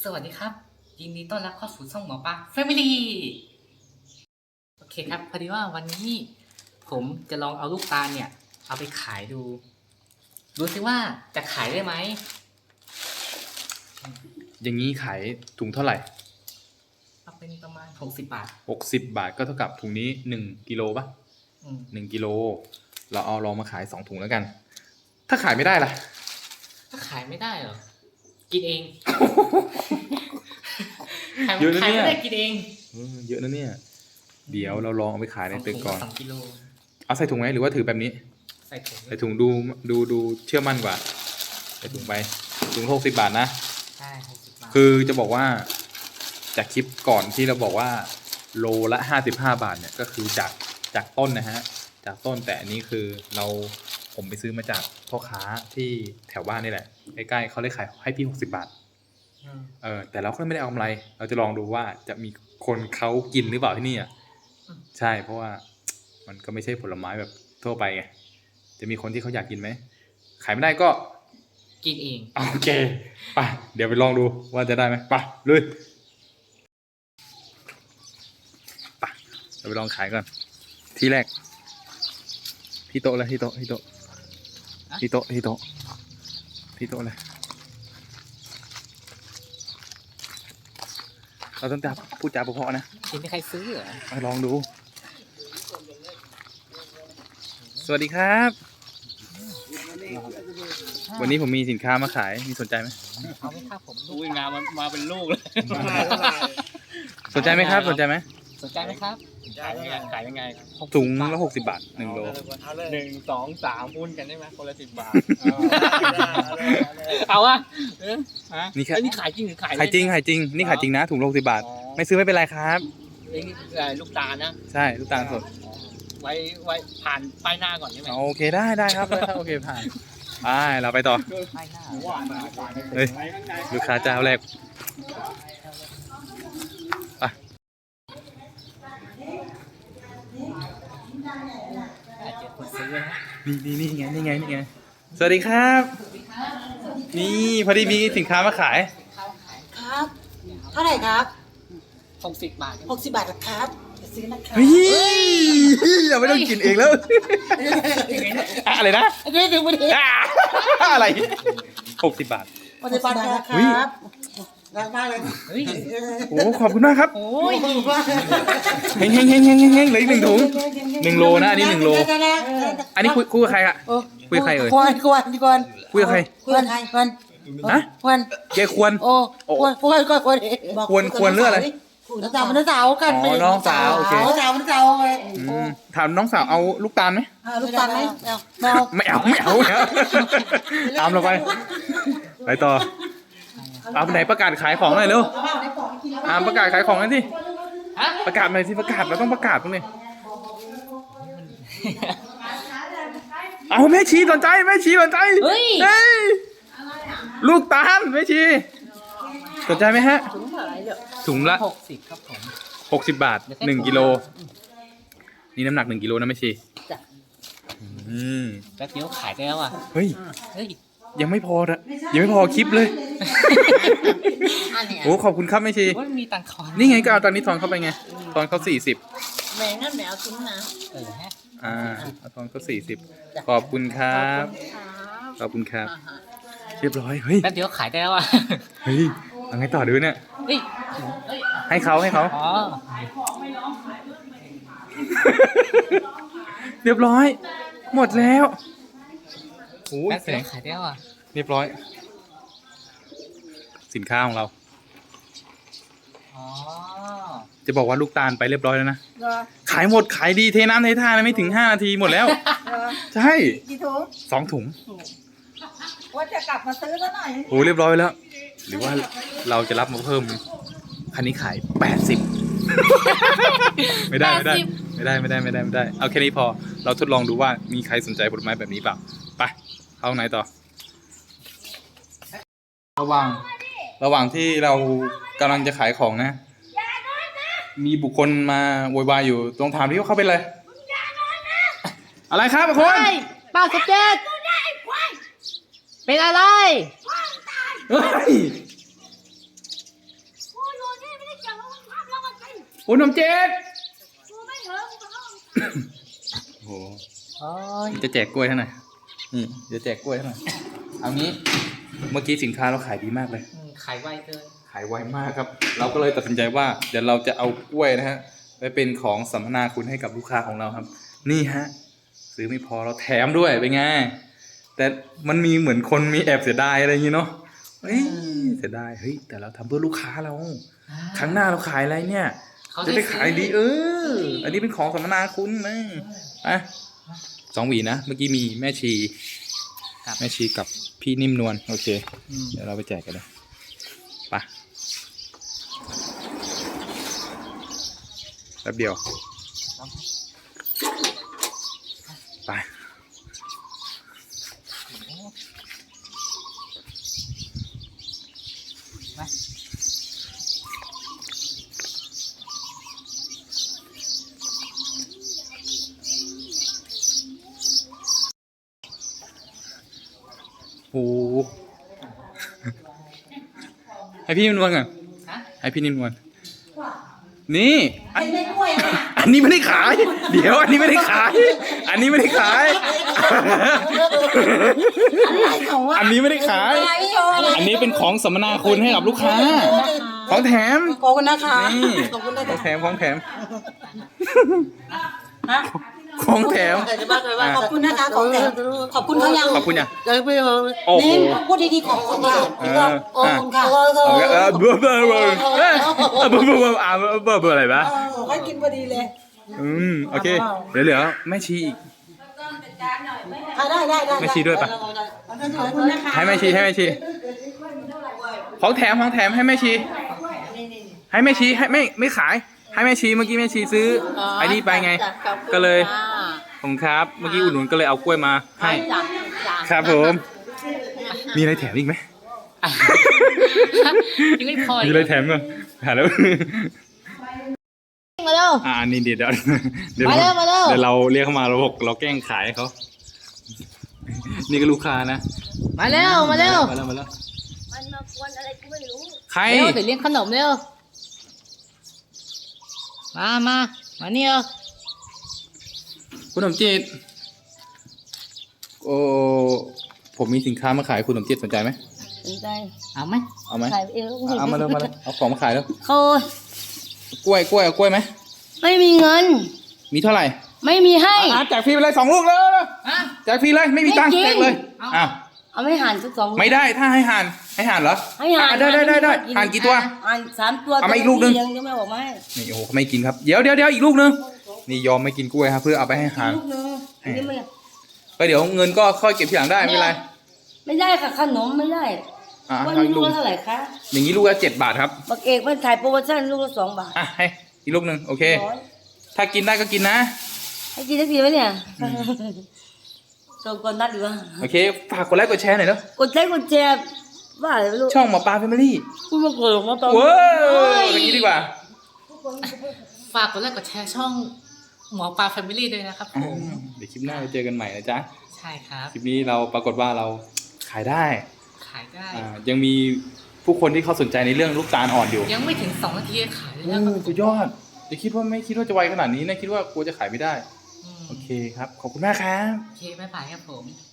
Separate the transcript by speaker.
Speaker 1: สวัสดีครับยินดีต้อนรับเข้าสู่ช่องหมอปลา Family โอเคครับพอดีว่าวันนี้ผมจะลองเอาลูกตาลเนี่ยเอาไปขายดูสิว่าจะขายได้ไหม
Speaker 2: อย่างนี้ขายถุงเท่าไหร่
Speaker 1: เอาเป็นประมาณ60 บาท
Speaker 2: 60 บาทก็เท่ากับถุงนี้1 กิโลป่ะ1 กิโลเราเอาลองมาขาย2 ถุงแล้วกัน ถ้าขายไม่ได้ล่ะ
Speaker 1: ถ้าขายไม่ได้เหรอกินเอง
Speaker 2: เยอะนะเนี่ย
Speaker 1: ขายไม่ได้กินเอง
Speaker 2: เยอะนะเนี่ยเดี๋ยวเราลองเอาไปขายในตึกก่อน
Speaker 1: 2 กิโล
Speaker 2: เอาใส่ถุงไหมหรือว่าถือแบบนี้
Speaker 1: ใส่
Speaker 2: ถุงดูเชื่อมั่นกว่าใส่ถุงไปถุง60 บาทนะ
Speaker 1: ใช่60 บาท
Speaker 2: คือจะบอกว่าจากคลิปก่อนที่เราบอกว่าโลละ55 บาทเนี่ยก็คือจากต้นนะฮะจากต้นแต่อันนี้คือผมไปซื้อมาจากพ่อค้าที่แถวบ้านนี่แหละใกล้ๆเขาเลยขายให้พี่60 บาทแต่เราก็ไม่ได้เอากำไรเราจะลองดูว่าจะมีคนเขากินหรือเปล่าที่นี่อ่ะใช่เพราะว่ามันก็ไม่ใช่ผลไม้แบบทั่วไปไงจะมีคนที่เขาอยากกินไหมขายไม่ได้ก็
Speaker 1: กินเอง
Speaker 2: โอเคไปเดี๋ยวไปลองดูว่าจะได้ไหมไปเลยไปเราไปลองขายก่อนที่แรกที่โต๊ะเลยที่โต๊ะเลยเราต้องพูดจาเพราะๆนะ
Speaker 1: ไม่ใครซื้อเหรอ
Speaker 2: มาลองดูสวัสดีครับวันนี้ผมมีสินค้ามาขายมีสนใจไหม
Speaker 1: เอาไหมครับผม
Speaker 3: อุ้ยงานมาเป็นลูกเลย
Speaker 2: สนใจไหมครับสนใจไหม
Speaker 1: ครับ
Speaker 3: ขายยังไง
Speaker 2: ถุงละ60 บาท1 โล
Speaker 3: 1 2 3หุ้นกันได้ไหมคนละ10 บาทเอาอะนี่ขายจริงหรือขาย
Speaker 2: จริงนี่ขายจริงนะถุงละ60 บาทไม่ซื้อไม่เป็นไรครับ
Speaker 3: นี่ลูกตาลนะ
Speaker 2: ใช่ลูกตาลสด
Speaker 3: ไว้ผ่านป้ายหน้าก่อนใช่ไหม
Speaker 2: โอเคได้ครับโอเคผ่านไปเราไปต่อเฮ้ยลูกค้าเจ้าแรกนี่ไงสวัสดีครับนี่พอดีมีสินค้ามาขาย
Speaker 4: ครับเท่าไหร่ครับ
Speaker 1: 60 บาท
Speaker 4: 60 บาทครับจะซื้อนะครับ
Speaker 2: เราไม่ต้องกินเองแล้วอะไรนะอะไร60 บาท
Speaker 4: 60 บาทครับรักมากเลย
Speaker 2: โอ้ขอบคุณมากครับ
Speaker 1: โอ้ย
Speaker 2: เฮงเหลืออีก1 ถุง1 โลนะอันนี้1 โลอันนี้คุยกับใครอะคุยกับใครเอ่ย
Speaker 4: ควร
Speaker 2: คุยกับใครฮะเกควร
Speaker 4: โอ้ควร
Speaker 2: เรื่องอะไร
Speaker 4: น้องสาวกัน
Speaker 2: น้องสาวโอเค
Speaker 4: น้องสาวไง
Speaker 2: ถามน้องสาวเอาลูกตาลไหม
Speaker 4: ลูกตาลไหม
Speaker 2: ไม่เอาตามเราไปต่อเอาไหนประกาศขายของหน่อยเร็วประกาศขายของหน่อยสิประกาศหน่อยสิเราต้องประกาศตรงนี้เอาแม่ชีสนใจ
Speaker 1: เฮ้ย
Speaker 2: ลูกตาลแม่ชีสนใจไหมฮะถุงละ
Speaker 1: 60ครับผม
Speaker 2: 60 บาท1 กิโลนี่น้ำหนัก1 กิโลนะแม่ชี
Speaker 1: แป๊บเดียวขายได้แล้วอ่ะ
Speaker 2: เฮ้ยยังไม่พอคลิปเลยโอ้ขอบคุณครับแม่ชี
Speaker 1: มีตังค์ทอน
Speaker 2: นี่ไงก็เอาตังค์นี้ทอนเข้าไปไงตอนเขา40
Speaker 4: แม่งั้นแมวทิ้งนะ
Speaker 2: เอาตอนเขา40ขอบคุณครับเรียบร้อยเฮ้ย
Speaker 1: แป๊บเดียวขายได้แล้วอ่ะ
Speaker 2: เฮ้ยเอาไงต่อดูเนี่ยให้เขาเรียบร้อยหมดแล้ว
Speaker 1: โอ้ยแสงขายได้แล้วอ่ะ
Speaker 2: เรียบร้อยสินค้าของเราจะบอกว่าลูกตาลไปเรียบร้อยแล้วนะขายหมดขายดีเทน้ำเทท่าไม่ถึง5 นาทีหมดแล้วใช่
Speaker 4: กี่ถุง
Speaker 2: 2 ถุง
Speaker 4: ว่าจะกลับมาซื้อซะหน่อย
Speaker 2: โอ้เรียบร้อยแล้วหรือว่าเราจะรับมาเพิ่มคันนี้ขาย80ไม่ได้เอาแค่นี้พอเราทดลองดูว่ามีใครสนใจผลไม้แบบนี้เปล่าไปเอาไหนต่อระหว่างที่เรากำลังจะขายของนะมีบุคคลมาโวยวายอยู่ตรงถามที่เขาเป็นอะไรอะไรครับคุณ
Speaker 1: ป้า17เป็นอะไร
Speaker 2: คุณสมจิตโอ้โห
Speaker 1: โอ้ย
Speaker 2: จะแจกกล้วยเท่าไหร่นี่จะแจกกล้วยเท่าไหร่เอางี้เมื่อกี้สินค้าเราขายดีมากเลย
Speaker 1: ขายไวเกิน
Speaker 2: ขายไวมากครับ เราก็เลยตัดสินใจว่าเดี๋ยวเราจะเอากล้วยนะฮะไปเป็นของสัมมนาคุณให้กับลูกค้าของเราครับ นี่ฮะซื้อไม่พอเราแถมด้วยเป็นไงแต่มันมีเหมือนคนมีแอบเสียดายอะไรอย่างงี้เนาะเฮ้ยเสียดายเฮ้ยแต่เราทำเพื่อลูกค้าเรา ครั้งหน้าเราขายอะไรเนี่ย
Speaker 1: เขา
Speaker 2: จะได้ขายดีอันนี้เป็นของสัมมนาคุณนะอ่ะ2 หวีนะเมื่อกี้มีแม่ชีแม่ชีกับพี่นิ่มนวลโอเค เดี๋ยวเราไปแจกกันเลยไปแป๊บเดียวไปโอ้โหให้พี่นิ่มนวลก่อน
Speaker 1: ฮะ
Speaker 2: ให้พี่นิ่มนวลนี่
Speaker 4: ไอ้ไม่กล้วยนะ
Speaker 2: อันนี้ไม่ได้ขาย เดี๋ยวอันนี้ไม่ได้ขาย อันนี้ไม่ได้ขาย
Speaker 4: อะไรของวะ
Speaker 2: อันนี้ไม่ได้ขาย
Speaker 4: อะไรโยอะไร
Speaker 2: อันนี้เป็นของสัมมนาคุณให้กับลูกค้า ของแถม
Speaker 4: ขอบคุณนะคะ
Speaker 2: นี่
Speaker 4: ขอบคุณนะ
Speaker 2: ของแถมของแถม
Speaker 4: ฮะ
Speaker 2: ของแถม
Speaker 4: ขอบคุณนะคะของแถมขอบคุณเขายัง
Speaker 2: ขอบคุณอย่าง
Speaker 4: ยังไม่เอา
Speaker 2: โอ้โห
Speaker 4: นี่พูดดีๆขอบคุณค่ะขอบคุณค่ะ
Speaker 2: เบอร์เบอร์เบอร์เบอร์เบอร์เบอร์เบอร์เบอร์อะไรบ้า
Speaker 4: ให้กินพอดีเลย
Speaker 2: โอเคเหลือแม่ชีอีก
Speaker 4: ได้
Speaker 2: แม่ชีด้วยปะ
Speaker 4: ขอบคุณนะคะ
Speaker 2: ให้แม่ชีให้แม่ชีของแถมให้แม่ชี ให้แม่ชีให้ไม่ขาย ให้แม่ชีเมื่อกี้แม่ชีซื้อไอ้นี่ไปไง ก็เลยผมครับเมื่อกี้อุดหนุนก็เลยเอากล้วยมาให้ครับผมมีอะไรแถมอีกไหม
Speaker 1: ยังไม่พอ
Speaker 2: มีอะไรแถมมั้ยหาแล้ว
Speaker 4: มาเร็ว
Speaker 2: นี่เดี๋ยวเดี๋ยว
Speaker 4: มาเร็วมาเร็ว
Speaker 2: เดี๋ยวเราเรียกเขามาเราบอกเราแกล้งขายให้เขานี่ก็ลูกค้านะ
Speaker 4: มาเร็ว
Speaker 2: มาแล้ว
Speaker 4: มันมากวนอะไรกูไม่รู้
Speaker 2: ใคร
Speaker 4: เร็วเดี๋ยวเลี้ยงขนมเร็วมานี่เร็ว
Speaker 2: คุณสมจิตโอ้ผมมีสินค้ามาขายคุณสมจิตสนใจไหม
Speaker 4: สนใจ
Speaker 1: เอาไหม
Speaker 2: เอาไหม
Speaker 4: ขายเอง
Speaker 2: เอามาเลยเอาของมาขายแล้ว
Speaker 4: เขา
Speaker 2: กล้วยเอากล้วยไหม
Speaker 4: ไม่มีเงิน
Speaker 2: มีเท่าไหร่
Speaker 4: ไม่มีให้
Speaker 2: แจกฟรีไปเลย2 ลูกเลย
Speaker 1: อ่ะ
Speaker 2: แจกฟรีเลยไม่มีตังค์
Speaker 4: ไม่จริง
Speaker 2: แจกเลย
Speaker 1: เอา
Speaker 2: อ้าว
Speaker 4: เอาไม่หันสัก2
Speaker 2: ไม่ได้ถ้าให้ห่านเหรอ
Speaker 4: ให้หัน
Speaker 2: ได้ห่านกี่ตัว
Speaker 4: หัน3 ตัว
Speaker 2: เอามาอีกลูกนึง
Speaker 4: ยังไม่บอกมาให้
Speaker 2: นี่โอ้โหเขาไม่กินครับเดี๋ยวอีกลูกนึงนี่ยอมไม่กินกล้วยครับเพื่อเอาไปให้ห่าน
Speaker 4: ลูกนึงอันนี้มัน
Speaker 2: ก็เดี๋ยวเงินก็ค่อยเก็บทีหลังได้ไม่เป็นไร
Speaker 4: ไม่ได้ค่ะขนมไม่ได้
Speaker 2: เอา
Speaker 4: วัน
Speaker 2: อี
Speaker 4: นี้
Speaker 2: ก
Speaker 4: ลู
Speaker 2: ลู
Speaker 4: ก
Speaker 2: ก
Speaker 4: ละเท่าไหร่คะ
Speaker 2: อย่างนี้ลูกละ7 บาทครับ
Speaker 4: บักเอกมันถ่ายโปรโมชั่นลูกละ2 บาท
Speaker 2: ให้อีกลูกนึงโอเค
Speaker 4: ร้อย
Speaker 2: ถ้ากินได้ก็กินนะ
Speaker 4: ให้กินสักทีไหมเนี่ยโดนกดนัดดีวะ
Speaker 2: โอเคฝากกดไลค์กดแชร์หน่อยเนาะ
Speaker 4: กดไลค์กดแชร์ว่าอะไรไม่รู้
Speaker 2: ช่องหมอปลาแฟมิลี่
Speaker 4: พูดมากดมาตอน
Speaker 2: ว้าวอย่างนี้ดีกว่า
Speaker 1: ฝากกดไลค์กดแชร์ช่องหมอปลาแฟมิลี่ด้วยนะครับผม
Speaker 2: เดี๋ยวคลิปหน้าไปเจอกันใหม่นะจ๊ะ
Speaker 1: ใช่ครับ
Speaker 2: คลิปนี้เราปรากฏว่าเราขายได้
Speaker 1: ขายได้
Speaker 2: ยังมีผู้คนที่เขาสนใจในเรื่องลูกตาลอ่อนอยู่
Speaker 1: ยังไม่ถึง2 นาทีขายเลยนะครับ
Speaker 2: สุดยอดไม่คิดว่าจะไวขนาดนี้นะคิดว่ากลัวจะขายไม่ได้
Speaker 1: อืม
Speaker 2: โอเคครับ ขอบคุณมากครับ
Speaker 1: โอเคบ๊ายบายครับผม